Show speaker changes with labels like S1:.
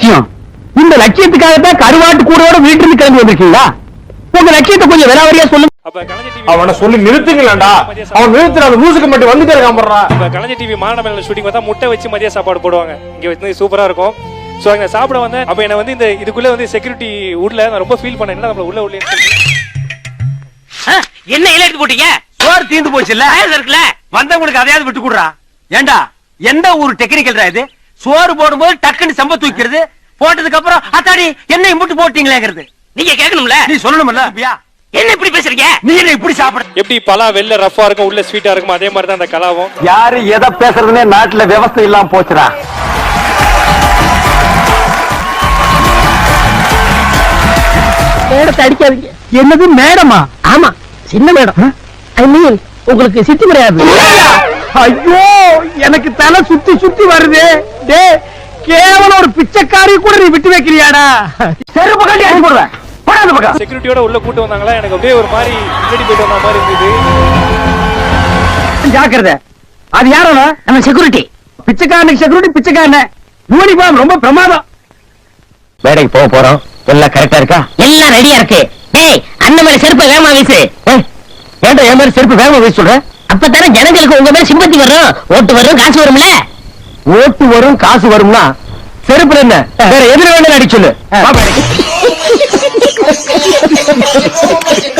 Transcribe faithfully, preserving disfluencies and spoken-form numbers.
S1: லட்சியம். இந்த லட்சியத்துக்காகத்தான் கருவாட்டு கூடோட வீட்டிலிருந்து கிளம்பி வந்திருக்கீங்களா? உங்க லட்சியத்தை கொஞ்சம் விலாவரியா சொல்லுங்க.
S2: அவனை சொல்லி நிறுத்துங்களா? அவன் நிறுத்துற அந்த மூசுக்கு மட்டும் வந்துட்டே இருக்கான்.
S3: கலைஞர் டிவி மாநகர ஷூட்டிங் பார்த்தா முட்டை வச்சு மதிய சாப்பாடு போடுவாங்க. இங்க வந்து சூப்பரா இருக்கும். சோ அங்க சாப்பிட வந்தேன். அப்ப என்ன வந்து இந்த இதுக்குள்ள வந்து செக்யூரிட்டி உள்ள நான் ரொம்ப ஃபீல் பண்ணேன். என்ன நம்மள உள்ள உள்ள
S4: என்ன இலை எடுத்து போட்டீங்க? சோறு தீந்து போச்சு இல்ல இருக்குல்ல, வந்தவங்களுக்கு அதையாவது விட்டு கொடுறா. ஏண்டா எந்த ஊர் டெக்னிக்கல்ரா இது? சோறு போடும்போது டக்குன்னு சம்ப தூக்கிறது, போட்டதுக்கு அப்புறம் அத்தாடி என்ன இம்புட்டு போட்டீங்களேங்கிறது நீங்க கேட்கணும்ல, நீ சொல்லணும்ல. என்ன இப்படி பேசுறீங்க? நீ என்ன இப்படி சாப்பிட?
S3: எப்படி பலா வெள்ள ரஃபா இருக்கும் உள்ள ஸ்வீட்டா இருக்கும், அதே மாதிரி தான் அந்த கலாவும்.
S1: யாரு எதை பேசுறதுன்னே நாட்டுல விவசாயம் இல்லாம போச்சுடா. மேடத்தை அடிக்காதீங்க. என்னது மேடமா? ஆமா சின்ன மேடம். ஐ மீன் உங்களுக்கு சித்தி கிடையாது. ஐயோ எனக்கு தலை சுத்தி சுத்தி வருது. டே கேவலம் ஒரு பிச்சைக்காரி கூட நீ விட்டு வைக்கிறியாடா? செருப்பு கட்டி அடி போடுவேன். போடாத பக்கம்.
S3: செக்யூரிட்டியோட உள்ள கூட்டு வந்தாங்களா, எனக்கு அப்படியே ஒரு மாதிரி முன்னாடி போயிட்டு வந்த மாதிரி இருந்தது.
S1: ஜாக்கிரதை. அது யாரோட? நம்ம செக்யூரிட்டி. பிச்சைக்காரனுக்கு செக்யூரிட்டி பிச்சைக்காரன். யூனிஃபார்ம் ரொம்ப பிரமாதம். வேலைக்கு போக போறோம். எல்லாம் கரெக்டா இருக்கா? எல்லாம் ரெடியா இருக்கு. டேய் அண்ணன் மேல செருப்பு வேகமா வீசு. ஏன்டா என் மேல செருப்பு வேகமா வீச சொல்ற? அப்பதானே ஜனங்களுக்கு உங்க மேல சிம்பத்தி வரும், ஓட்டு வரும், காசு வரும்ல. ஓட்டு வரும் காசு வரும்னா செருப்புல என்ன வேற எதிர வேண்டாம் அடி சொல்லு.